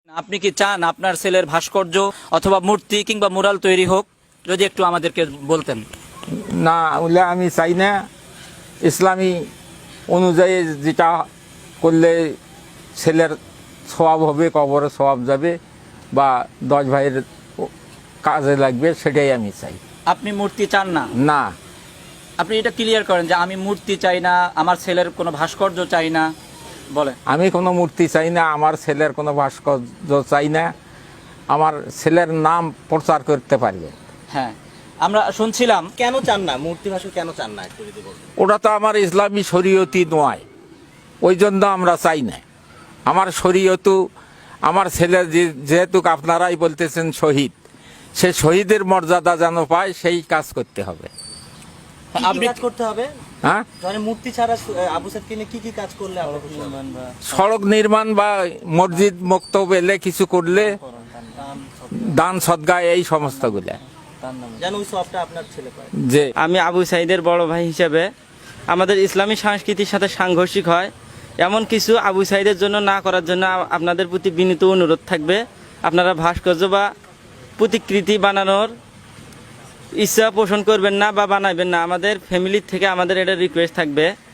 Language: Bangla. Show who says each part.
Speaker 1: আপনি কি চান আপনার ছেলের ভাস্কর্য অথবা মূর্তি কিংবা মুরাল তৈরি হোক? যদি একটু আমাদেরকে বলতেন।
Speaker 2: না, ওগুলো আমি চাই না। ইসলামী অনুযায়ী যেটা করলে ছেলের সওয়াব হবে, কবরে সওয়াব যাবে বা 10 ভাইয়ের কাজে লাগবে, সেটাই আমি চাই।
Speaker 1: আপনি মূর্তি চান না?
Speaker 2: না,
Speaker 1: আপনি এটা ক্লিয়ার করেন যে আমি মূর্তি চাই না, আমার ছেলের কোনো ভাস্কর্য চাই না। বলে
Speaker 2: আমি কোনো মূর্তি চাই না, আমার ছেলের কোনো ভাস্কর্য চাই না। আমার ছেলের নাম প্রচার করতে পারবে।
Speaker 1: হ্যাঁ, আমরা শুনছিলাম।
Speaker 3: কেন চান না মূর্তি ভাস্কর, কেন চান না একটু যদি বলতেন?
Speaker 2: ওটা তো আমার ইসলামী শরীয়তি নয়, ওই জন্য আমরা চাই না। আমার শরীয়তু, আমার ছেলে যেহেতু আপনারাই বলতেছেন শহীদ, সে শহীদের মর্যাদা যেন পায়, সেই কাজ করতে হবে।
Speaker 3: কি
Speaker 1: আপনি
Speaker 3: কাজ করতে হবে?
Speaker 2: হ্যাঁ,
Speaker 3: মানে মূর্তি ছাড়া আবু সাইদকে নিয়ে কি কাজ করলে আমরা খুশি হব?
Speaker 2: সড়ক নির্মাণ বা মসজিদ মক্তব এলে কিছু করলে, দান সদকা, এই সমস্তগুলা
Speaker 3: যেন ওই সবটা আপনার ছেলে পায়।
Speaker 2: যে
Speaker 4: আমি আবু সাইদের বড় ভাই হিসেবে আমাদের ইসলামী সংস্কৃতির সাথে সাংঘর্ষিক হয় এমন কিছু আবু সাইদের জন্য না করার জন্য আপনাদের প্রতি বিনীত অনুরোধ থাকবে। আপনারা ভাস্কর্য বা প্রতিকৃতি বানানোর ইচ্ছা পোষণ করবেন না বা বানাবেন না। আমাদের ফ্যামিলির থেকে আমাদের এটা রিকোয়েস্ট থাকবে।